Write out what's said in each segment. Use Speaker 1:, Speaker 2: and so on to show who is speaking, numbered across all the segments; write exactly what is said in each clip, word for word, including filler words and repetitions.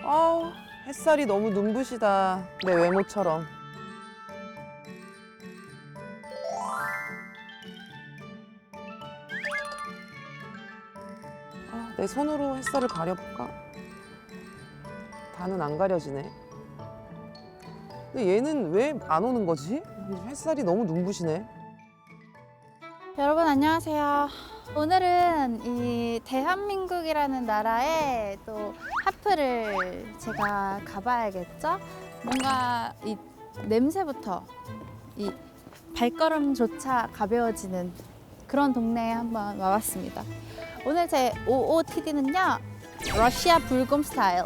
Speaker 1: 아우, 햇살이 너무 눈부시다. 내 외모처럼. 아, 내 손으로 햇살을 가려볼까? 다는 안 가려지네. 근데 얘는 왜 안 오는 거지? 햇살이 너무 눈부시네.
Speaker 2: 여러분 안녕하세요. 오늘은 이 대한민국이라는 나라에 또 하프를 제가 가봐야겠죠? 뭔가 이 냄새부터 이 발걸음조차 가벼워지는 그런 동네에 한번 와봤습니다. 오늘 제 오오티디는요, 러시아 불금 스타일.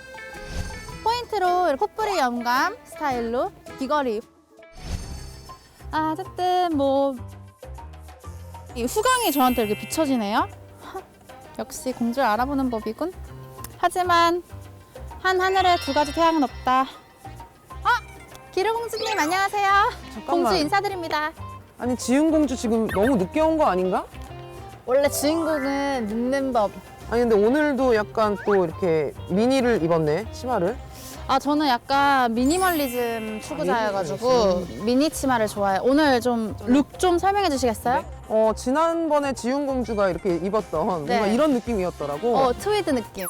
Speaker 2: 포인트로 potpourri 염감 스타일로 귀걸이. 아, 어쨌든 뭐 이 후광이 저한테 이렇게 비춰지네요. 역시 공주를 알아보는 법이군. 하지만 한 하늘에 두 가지 태양은 없다. 어? 기르공주님 안녕하세요.
Speaker 1: 잠깐만.
Speaker 2: 공주 인사드립니다.
Speaker 1: 아니, 지은공주 지금 너무 늦게 온 거 아닌가?
Speaker 2: 원래 주인공은 늦는 법.
Speaker 1: 아니, 근데 오늘도 약간 또 이렇게 미니를 입었네, 치마를.
Speaker 2: 아, 저는 약간 미니멀리즘 추구자여가지고 미니 치마를 좋아해요. 오늘 좀 룩 좀 설명해 주시겠어요?
Speaker 1: 어, 지난번에 지훈공주가 이렇게 입었던 뭔가
Speaker 2: 네.
Speaker 1: 이런 느낌이었더라고.
Speaker 2: 어, 트위드 느낌.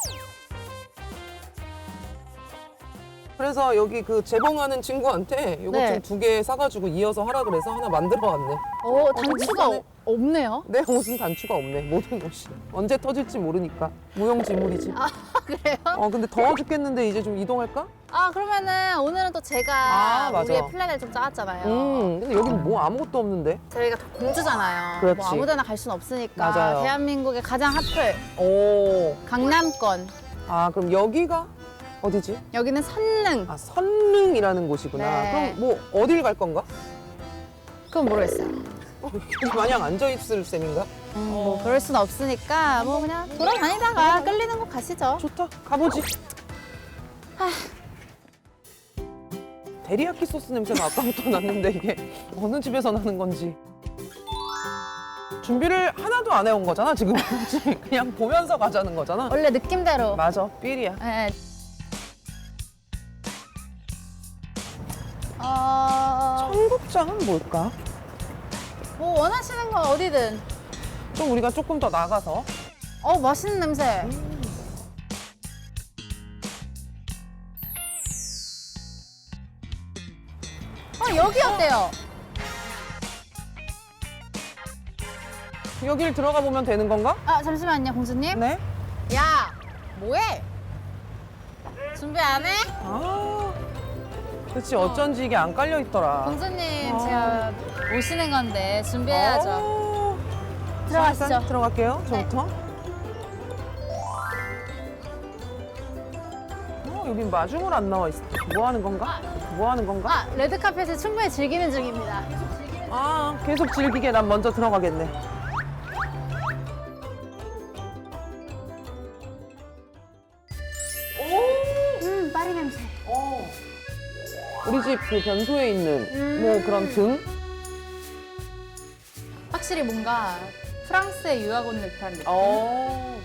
Speaker 1: 그래서 여기 그 재봉하는 친구한테 이거
Speaker 2: 네.
Speaker 1: 좀 두 개 사가지고 이어서 하라 그래서 하나 만들어 왔네.
Speaker 2: 오, 단추가
Speaker 1: 괜찮네.
Speaker 2: 어, 없네요.
Speaker 1: 내 옷은 단추가 없네, 모든 옷이. 언제 터질지 모르니까. 무용지물이지.
Speaker 2: 아, 그래요?
Speaker 1: 어, 근데 더워 죽겠는데 이제 좀 이동할까?
Speaker 2: 아, 그러면은 오늘은 또 제가
Speaker 1: 아, 맞아.
Speaker 2: 우리의 플랜을 좀 짜왔잖아요.
Speaker 1: 음, 근데 여기는 뭐 아무것도 없는데.
Speaker 2: 저희가 또 공주잖아요.
Speaker 1: 그렇지.
Speaker 2: 뭐 아무데나 갈 수는 없으니까.
Speaker 1: 맞아요.
Speaker 2: 대한민국의 가장 핫플
Speaker 1: 오.
Speaker 2: 강남권.
Speaker 1: 아, 그럼 여기가 어디지?
Speaker 2: 여기는 선릉.
Speaker 1: 아, 선릉이라는 곳이구나.
Speaker 2: 네.
Speaker 1: 그럼 뭐 어딜 갈 건가?
Speaker 2: 그건 모르겠어요.
Speaker 1: 어, 마냥 앉아있을 셈인가?
Speaker 2: 음, 뭐 그럴 수는 없으니까 뭐 그냥 돌아다니다가 끌리는 곳 가시죠.
Speaker 1: 좋다, 가보지. 데리야끼 소스 냄새가 아까부터 났는데 이게 어느 집에서 나는 건지. 준비를 하나도 안 해온 거잖아, 지금. 그냥 보면서 가자는 거잖아.
Speaker 2: 원래 느낌대로.
Speaker 1: 맞아, 삘이야.
Speaker 2: 네. 어,
Speaker 1: 청국장은 뭘까?
Speaker 2: 뭐 원하시는 건 어디든.
Speaker 1: 좀 우리가 조금 더 나가서.
Speaker 2: 어, 맛있는 냄새. 어, 여기 어때요?
Speaker 1: 여길 들어가 보면 되는 건가?
Speaker 2: 아, 잠시만요, 공주님.
Speaker 1: 네.
Speaker 2: 야, 뭐해? 준비 안 해?
Speaker 1: 아, 그렇지. 어쩐지 이게 안 깔려 있더라.
Speaker 2: 공주님,
Speaker 1: 아.
Speaker 2: 제가 오시는 건데 준비해야죠.
Speaker 1: 어.
Speaker 2: 들어가시죠.
Speaker 1: 자, 일단 들어갈게요.
Speaker 2: 네.
Speaker 1: 저부터. 어, 여기 마중을 안 나와 있어. 뭐 하는 건가? 뭐 하는 건가?
Speaker 2: 아, 레드카펫을 충분히 즐기는 중입니다.
Speaker 1: 아, 계속 즐기게 난 먼저 들어가겠네. 오!
Speaker 2: 음, 파리 냄새.
Speaker 1: 어. 우리 집 그 변소에 있는
Speaker 2: 음.
Speaker 1: 뭐 그런 등?
Speaker 2: 확실히 뭔가 프랑스에 유학 온 듯한 느낌.
Speaker 1: 어.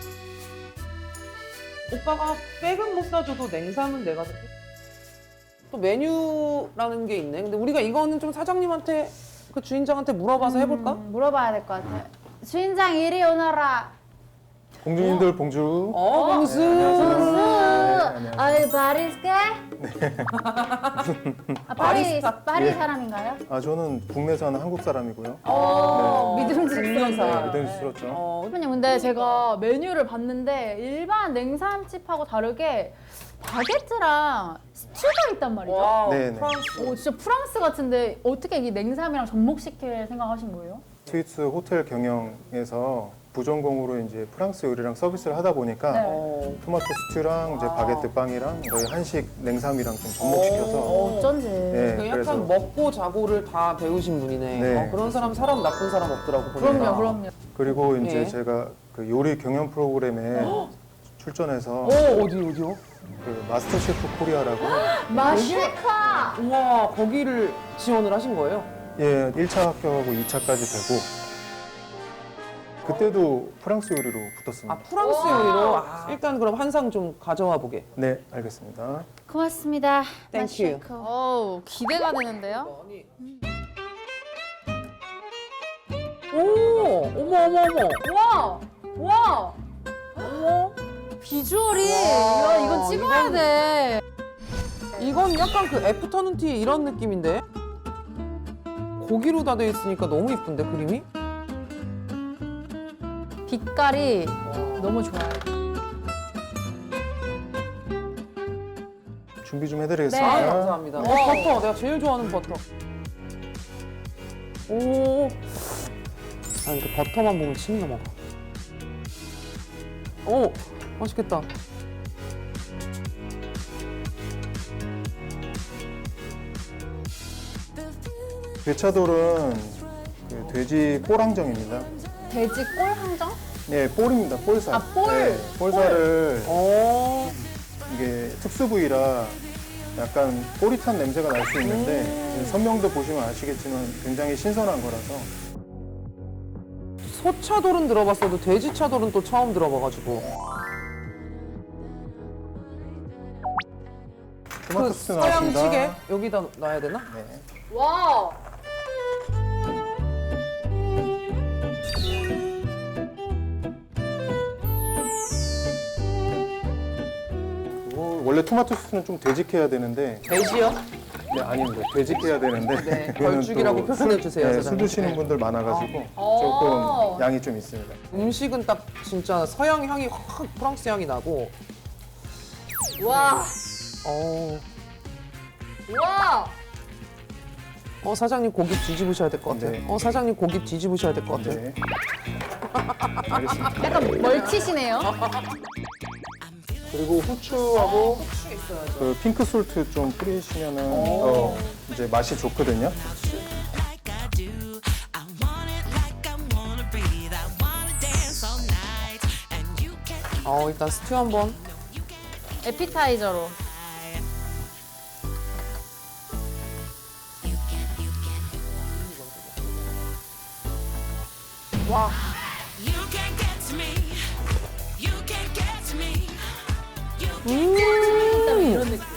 Speaker 1: 오빠가 백은 못 사줘도 냉삼은 내가 살게. 또 메뉴라는 게 있네. 근데 우리가 이거는 좀 사장님한테 그 주인장한테 물어봐서 해볼까?
Speaker 2: 음, 물어봐야 될 것 같아. 주인장 이리 오너라.
Speaker 3: 공주님들 봉주.
Speaker 1: 어, 봉수.
Speaker 3: 안녕하세요.
Speaker 2: 아이 파리스게? 아, 파리
Speaker 1: 바리스타.
Speaker 2: 파리
Speaker 3: 예.
Speaker 2: 사람인가요?
Speaker 3: 아 저는 국내 사는 한국 사람이고요.
Speaker 2: 오,
Speaker 1: 네.
Speaker 2: 믿음직스러워요.
Speaker 3: 믿음직스럽죠.
Speaker 1: 어,
Speaker 2: 대표님, 근데 제가 메뉴를 봤는데 일반 냉삼집하고 다르게 바게트랑 스튜가 있단 말이죠.
Speaker 1: 와우,
Speaker 3: 네네.
Speaker 1: 프랑스.
Speaker 2: 오, 진짜 프랑스 같은데 어떻게 이 냉삼이랑 접목시킬 생각하신 거예요?
Speaker 3: 스위스 호텔 경영에서 부전공으로 이제 프랑스 요리랑 서비스를 하다 보니까
Speaker 2: 네.
Speaker 1: 어.
Speaker 3: 토마토 스튜랑 이제
Speaker 1: 아.
Speaker 3: 바게트 빵이랑 저희 한식 냉삼이랑 좀 접목시켜서
Speaker 1: 어.
Speaker 2: 어쩐지.
Speaker 3: 네.
Speaker 1: 그
Speaker 3: 그래서-
Speaker 1: 약간 먹고 자고를 다 배우신 분이네.
Speaker 3: 네.
Speaker 1: 어, 그런 사람 사람 나쁜 사람 없더라고. 보니까.
Speaker 2: 그럼요, 그럼요.
Speaker 3: 그리고 이제
Speaker 1: 예.
Speaker 3: 제가 그 요리 경연 프로그램에 출전해서
Speaker 1: 오, 어디 어디요?
Speaker 3: 그 마스터 셰프 코리아라고
Speaker 2: 마쉐카!
Speaker 1: 우와, 거기를 지원을 하신 거예요?
Speaker 3: 예, 일 차 합격하고 이 차까지 되고 그때도 프랑스 요리로
Speaker 1: 아
Speaker 3: 붙었습니다.
Speaker 1: 프랑스 요리로. 아, 일단 그럼 한 상 좀 가져와 보게.
Speaker 3: 네, 알겠습니다.
Speaker 2: 고맙습니다.
Speaker 1: 땡큐.
Speaker 2: 오, 기대가 되는데요?
Speaker 1: 오, 어머 어머 어머.
Speaker 2: 와, 와, 어머, 비주얼이 야, 이건 찍어야
Speaker 1: 이건-
Speaker 2: 돼.
Speaker 1: 이건 약간 그 애프터눈 티 이런 느낌인데? 고기로 다 돼 있으니까 너무 이쁜데 그림이?
Speaker 2: 빛깔이 너무 좋아요.
Speaker 3: 준비 좀
Speaker 1: 아
Speaker 3: 해드리겠습니다.
Speaker 1: 감사합니다. 어,
Speaker 2: 네.
Speaker 1: 버터 내가 제일 좋아하는 버터. 오. 아 이렇게 버터만 보면 침이 넘어가. 오 맛있겠다.
Speaker 3: 괴차돌은 그 돼지 뽀랑정입니다.
Speaker 2: 돼지 꼴 항정?
Speaker 3: 네, 볼입니다. 볼살.
Speaker 2: 아, 볼!
Speaker 3: 네, 볼살을
Speaker 1: 오.
Speaker 3: 이게 특수 부위라 약간 꼬릿한 냄새가 날 수 있는데
Speaker 1: 음.
Speaker 3: 선명도 보시면 아시겠지만 굉장히 신선한 거라서
Speaker 1: 소차돌은 들어봤어도 돼지차돌은 또 처음 들어봐가지고.
Speaker 3: 토마토
Speaker 1: 그
Speaker 3: 소스
Speaker 1: 서양
Speaker 3: 나왔습니다.
Speaker 1: 찌개 여기다 놔야 되나?
Speaker 3: 네.
Speaker 2: 와.
Speaker 3: 그리고 원래 토마토 소스는 좀 되직해야 되는데
Speaker 1: 돼지요?
Speaker 3: 네, 아닙니다. 되직해야 되는데
Speaker 1: 네,
Speaker 3: 그거는
Speaker 1: 걸쭉이라고
Speaker 3: 또
Speaker 1: 표현해
Speaker 3: 술-
Speaker 1: 주세요,
Speaker 3: 네, 술
Speaker 1: 사장님.
Speaker 3: 드시는
Speaker 1: 네.
Speaker 3: 분들 많아가지고
Speaker 2: 어.
Speaker 3: 조금 양이 좀 있습니다.
Speaker 1: 음식은 딱 진짜 서양 향이 확 프랑스 향이 나고.
Speaker 2: 와.
Speaker 1: 어,
Speaker 2: 와.
Speaker 1: 어 사장님 고기 뒤집으셔야 될 것 같아요.
Speaker 3: 네.
Speaker 1: 어 사장님 고기 뒤집으셔야 될 것 같아요.
Speaker 3: 네. 알겠습니다.
Speaker 2: 약간 멀티시네요.
Speaker 3: 그리고 후추하고
Speaker 1: 후추 있어야죠.
Speaker 3: 그 핑크 솔트 좀 뿌리시면은 더 이제 맛이 좋거든요.
Speaker 1: 어 일단 스튜 한번.
Speaker 2: 에피타이저로. 와.
Speaker 4: You can't get to me. You can't get to me.
Speaker 2: 이런 느낌.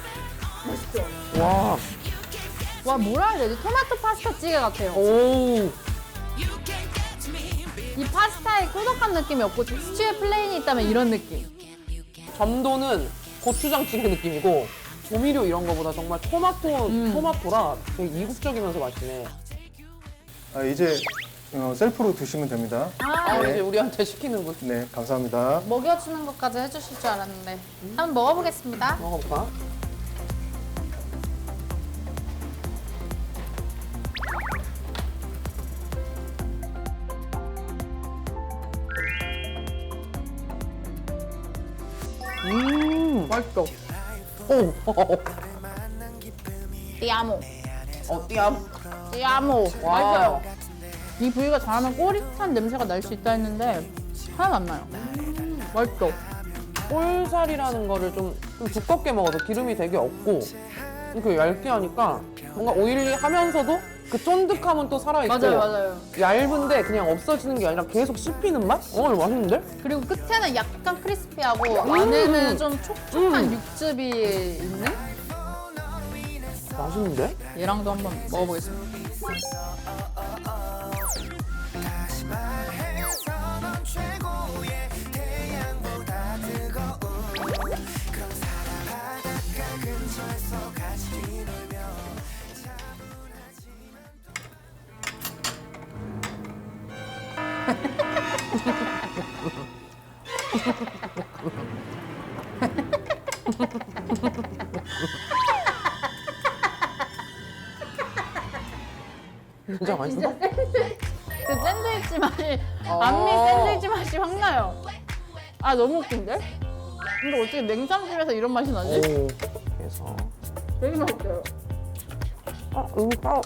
Speaker 1: 와,
Speaker 2: 와, 뭐라 해야 되지? 토마토 파스타 찌개 같아요.
Speaker 1: 오,
Speaker 4: You can't get to me.
Speaker 2: 이 파스타에 꾸덕한 느낌이 없고 스튜에 플레인이 있다면 이런 느낌.
Speaker 1: 점도는 고추장찌개 느낌이고 조미료 이런 거보다 정말 토마토
Speaker 2: 음.
Speaker 1: 토마토라 되게 이국적이면서 맛있네.
Speaker 3: 아, 이제 어, 셀프로 드시면 됩니다.
Speaker 1: 아
Speaker 3: 네.
Speaker 1: 이제 우리한테 시키는군.
Speaker 3: 네, 감사합니다.
Speaker 2: 먹여주는 것까지 해주실 줄 알았는데. 한번 먹어보겠습니다.
Speaker 1: 먹어볼까? 음, 맛있어. 오,
Speaker 2: 띠아모.
Speaker 1: 어, 띠암.
Speaker 2: 띠아모.
Speaker 1: 와.
Speaker 2: 맛있어요. 이 부위가 잘하면 꼬릿한 냄새가 날 수 있다 했는데 하나도 안 나요. 맛있어.
Speaker 1: 볼살이라는 거를 좀, 좀 두껍게 먹어서 기름이 되게 없고 이렇게 얇게 하니까 뭔가 오일리하면서도 그 쫀득함은 또 살아있고
Speaker 2: 맞아요, 맞아요.
Speaker 1: 얇은데 그냥 없어지는 게 아니라 계속 씹히는 맛? 어, 이거 맛있는데?
Speaker 2: 그리고 끝에는 약간 크리스피하고 안에는 좀 촉촉한 육즙이 있는?
Speaker 1: 맛있는데?
Speaker 2: 얘랑도 한번 먹어보겠습니다.
Speaker 1: 진짜 맛있어?
Speaker 2: 그 샌드위치 맛이,
Speaker 1: 어.
Speaker 2: 안미 샌드위치 맛이 확 나요. 아, 너무 웃긴데? 근데 어떻게 냉삼집에서 이런 맛이 나지?
Speaker 1: 오, 그래서
Speaker 2: 되게 맛있어요.
Speaker 1: 아, 음, 아,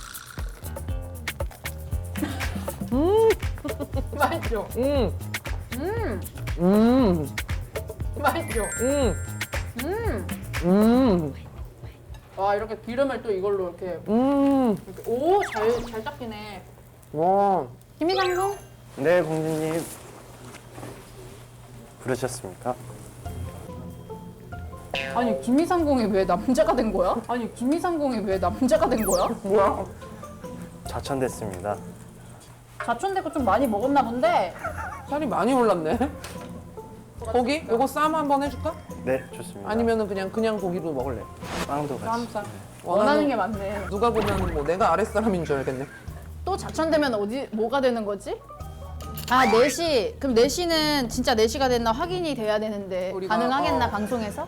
Speaker 2: 맛있죠?
Speaker 1: 음,
Speaker 2: 음,
Speaker 1: 음,
Speaker 2: 맛있죠?
Speaker 1: 음,
Speaker 2: 음.
Speaker 1: 음,
Speaker 2: 와, 이렇게 기름을 또 이걸로 이렇게.
Speaker 1: 음,
Speaker 2: 이렇게 오, 잘, 잘 닦이네.
Speaker 1: 와,
Speaker 2: 김이상궁?
Speaker 5: 네, 공주님. 부르셨습니까?
Speaker 2: 아니 김이상공이 왜 남자가 된 거야? 아니 김이상공이 왜 남자가 된 거야?
Speaker 1: 뭐야?
Speaker 5: 좌천됐습니다.
Speaker 2: 자촌되고 좀 많이 먹었나 본데.
Speaker 1: 살이 많이 올랐네. 고기? 요거 쌈 한번 해줄까?
Speaker 5: 네, 좋습니다.
Speaker 1: 아니면은 그냥 그냥 고기로 먹을래?
Speaker 5: 빵도 같이.
Speaker 1: 쌈 쌈.
Speaker 2: 원하는 게 많네.
Speaker 1: 누가 보면 뭐 내가 아랫사람인 줄 알겠네.
Speaker 2: 또 자천되면 어디 뭐가 되는 거지? 아 네 시. 그럼 네 시는 진짜 네 시가 됐나 확인이 돼야 되는데
Speaker 1: 우리가-
Speaker 2: 가능하겠나
Speaker 1: 어.
Speaker 2: 방송에서?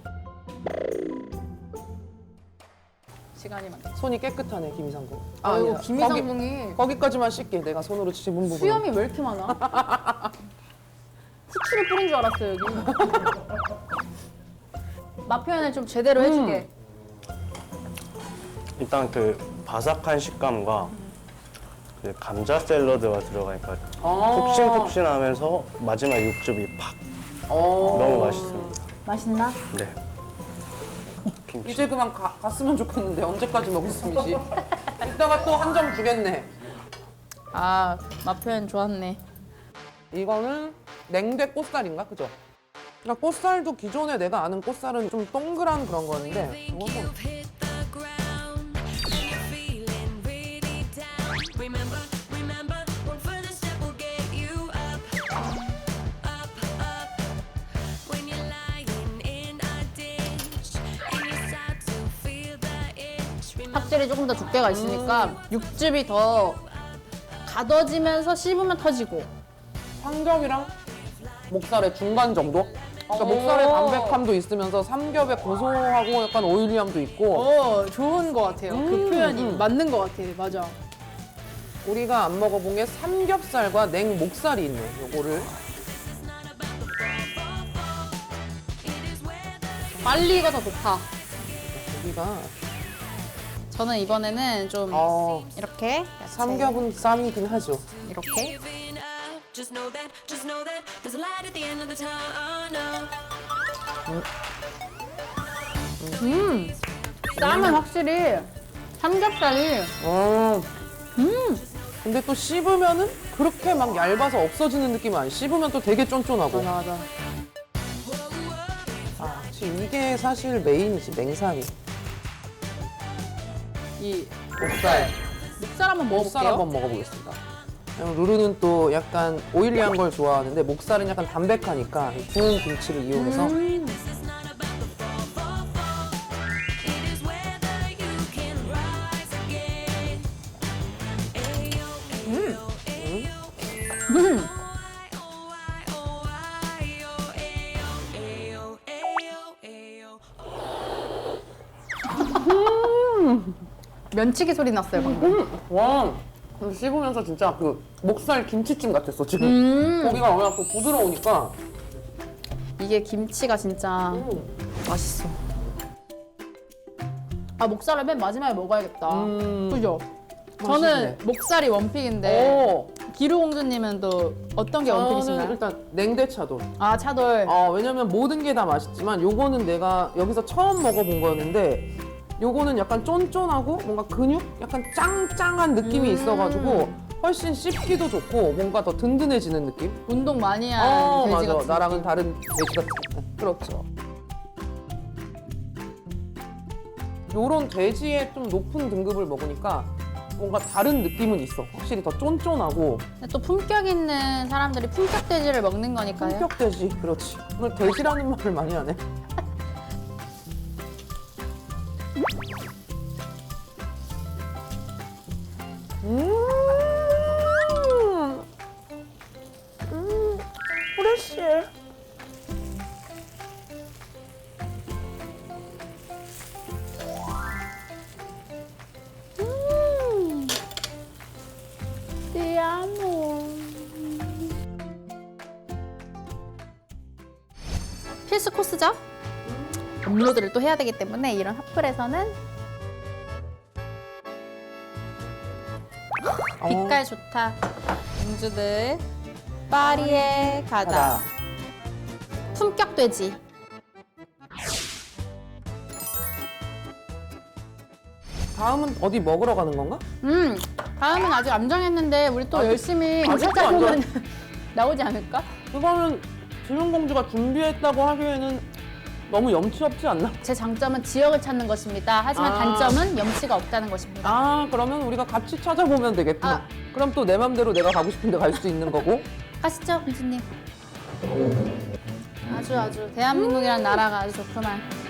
Speaker 2: 시간이 많다.
Speaker 1: 손이 깨끗하네 김이상공.
Speaker 2: 아이고
Speaker 1: 아니야.
Speaker 2: 김이상공이
Speaker 1: 거기, 거기까지만 씻게. 내가 손으로 지문 부분.
Speaker 2: 수염이 왜 이렇게 많아? 후추를 뿌린 줄 알았어 여기. 맛 표현을 좀 제대로 해주게.
Speaker 5: 일단 그 바삭한 식감과 그 감자 샐러드가 들어가니까
Speaker 1: 어.
Speaker 5: 폭신폭신하면서 마지막 육즙이 팍
Speaker 1: 어.
Speaker 5: 너무 맛있습니다.
Speaker 2: 맛있나?
Speaker 5: 네. 김치.
Speaker 1: 이제 그만 가, 갔으면 좋겠는데 언제까지 먹을 셈이지? 이따가 또 한 점 주겠네.
Speaker 2: 아 맛 표현 좋았네.
Speaker 1: 이거는 냉대 꽃살인가? 그죠? 그러니까 꽃살도 기존에 내가 아는 꽃살은 좀 동그란 그런 거였는데
Speaker 4: Think
Speaker 1: 이것도
Speaker 4: you've hit the ground and you're feeling really down. Remember, remember, one further step will get you up, up, up. When you're lying in a ditch and you start to feel the itch. Remember,
Speaker 2: 확실히 조금 더 두께가 있으니까 육즙이 더 가둬지면서 씹으면 터지고.
Speaker 1: 삼겹이랑 목살의 중간 정도? 그러니까 목살의 담백함도 있으면서 삼겹의 고소하고 약간 오일리함도 있고
Speaker 2: 어 좋은 것 같아요. 그
Speaker 1: 음,
Speaker 2: 표현이
Speaker 1: 음.
Speaker 2: 맞는 것 같아. 맞아.
Speaker 1: 우리가 안 먹어본 게 삼겹살과 냉목살이 있네. 요거를
Speaker 2: 빨리가 더 좋다.
Speaker 1: 우리가
Speaker 2: 저는 이번에는 좀
Speaker 1: 어,
Speaker 2: 이렇게 야채
Speaker 1: 삼겹은 쌈이긴 하죠.
Speaker 2: 이렇게
Speaker 4: giving up. Just know that, just know that there's a light at the end of the tunnel.
Speaker 2: 쌈은 확실히 삼겹살이
Speaker 1: 어. 근데 또 씹으면은 그렇게 막 얇아서 없어지는 느낌은 아니. 씹으면 또 되게 쫀쫀하고.
Speaker 2: 맞아 맞아.
Speaker 1: 아, 지금 이게 사실 메인이지, 냉삼이.
Speaker 2: 이
Speaker 1: 목살.
Speaker 2: 목살 한번
Speaker 1: 목살
Speaker 2: 먹어볼게요.
Speaker 1: 한번 먹어보겠습니다. 왜냐면 루루는 또 약간 오일리한 걸 좋아하는데 목살은 약간 담백하니까 이 구운 김치를 이용해서
Speaker 2: 음.
Speaker 4: It is whether you can rise again. Ayo, ayo, ayo,
Speaker 2: 음.
Speaker 4: oh, why, oh, why, oh, ayo, ayo, ayo, ayo.
Speaker 2: 면치기 소리 났어요 방금.
Speaker 1: 와, 근데 씹으면서 진짜 그 목살 김치찜 같았어 지금.
Speaker 2: 음.
Speaker 1: 고기가 워낙 또 부드러우니까.
Speaker 2: 이게 김치가 진짜
Speaker 1: 음.
Speaker 2: 맛있어. 아 목살을 맨 마지막에 먹어야겠다.
Speaker 1: 음.
Speaker 2: 그죠?
Speaker 1: 맛있네.
Speaker 2: 저는 목살이 원픽인데
Speaker 1: 오,
Speaker 2: 기루공주님은 또 어떤 게
Speaker 1: 저는
Speaker 2: 원픽이신가요?
Speaker 1: 일단 냉대차돌.
Speaker 2: 아 차돌.
Speaker 1: 어, 왜냐면 모든 게 다 맛있지만 요거는 내가 여기서 처음 먹어본 거였는데 요거는 약간 쫀쫀하고 뭔가 근육? 약간 짱짱한 느낌이
Speaker 2: 음.
Speaker 1: 있어가지고 훨씬 씹기도 좋고 뭔가 더 든든해지는 느낌?
Speaker 2: 운동 많이 한
Speaker 1: 어,
Speaker 2: 돼지
Speaker 1: 맞아.
Speaker 2: 같은
Speaker 1: 나랑은
Speaker 2: 느낌.
Speaker 1: 다른 돼지 같은. 그렇죠. 요런 돼지의 좀 높은 등급을 먹으니까 뭔가 다른 느낌은 있어. 확실히 더 쫀쫀하고
Speaker 2: 근데 또 품격 있는 사람들이 품격 돼지를 먹는 거니까요.
Speaker 1: 품격 돼지. 그렇지. 오늘 돼지라는 말을 많이 하네. 음, 음, 프레쉬.
Speaker 2: 필수 코스죠? 업로드를 또 해야 되기 때문에 이런 핫플에서는 빛깔 좋다. 공주들 파리에 가다.
Speaker 1: 가다.
Speaker 2: 품격 돼지.
Speaker 1: 다음은 어디 먹으러 가는 건가?
Speaker 2: 음 다음은 아직 안 정했는데 우리 또
Speaker 1: 아직-
Speaker 2: 열심히
Speaker 1: 아직도
Speaker 2: 찾아보면 나오지 않을까?
Speaker 1: 그거는 지훈공주가 준비했다고 하기에는 너무 염치 없지 않나?
Speaker 2: 제 장점은 지역을 찾는 것입니다. 하지만
Speaker 1: 아.
Speaker 2: 단점은 염치가 없다는 것입니다.
Speaker 1: 아 그러면 우리가 같이 찾아보면 되겠구나.
Speaker 2: 아.
Speaker 1: 그럼 또 내 맘대로 내가 가고 싶은데 갈 수 있는 거고.
Speaker 2: 가시죠, 공주님. 아주 아주 대한민국이라는 나라가 아주 좋구만.